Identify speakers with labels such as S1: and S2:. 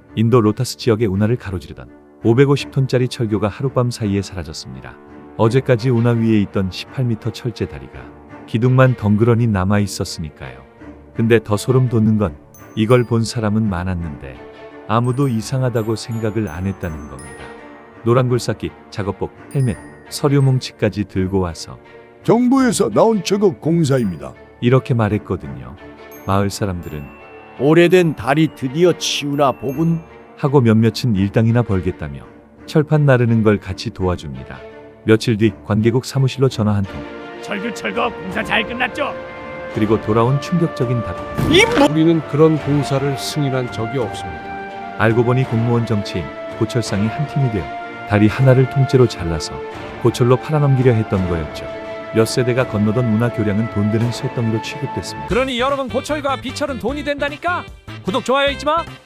S1: 인도 로타스 지역의 운하를 가로지르던 550톤짜리 철교가 하룻밤 사이에 사라졌습니다. 어제까지 운하 위에 있던 18m 철제 다리가 기둥만 덩그러니 남아 있었으니까요. 근데 더 소름 돋는 건 이걸 본 사람은 많았는데 아무도 이상하다고 생각을 안 했다는 겁니다. 노란 굴삭기, 작업복, 헬멧, 서류 뭉치까지 들고 와서
S2: 정부에서 나온 작업 공사입니다.
S1: 이렇게 말했거든요. 마을 사람들은
S3: 오래된 다리 드디어 치우나 보군.
S1: 하고 몇몇은 일당이나 벌겠다며 철판 나르는 걸 같이 도와줍니다. 며칠 뒤 관계국 사무실로 전화 한 통,
S4: 철교 철거 공사 잘 끝났죠?
S1: 그리고 돌아온 충격적인 답.
S5: 우리는 그런 공사를 승인한 적이 없습니다.
S1: 알고 보니 공무원 정치인 고철상이 한 팀이 되어 다리 하나를 통째로 잘라서 고철로 팔아넘기려 했던 거였죠. 몇 세대가 건너던 문화 교량은 돈 드는 쇳덩이로 취급됐습니다.
S4: 그러니 여러분 고철과 비철은 돈이 된다니까? 구독 좋아요 잊지 마.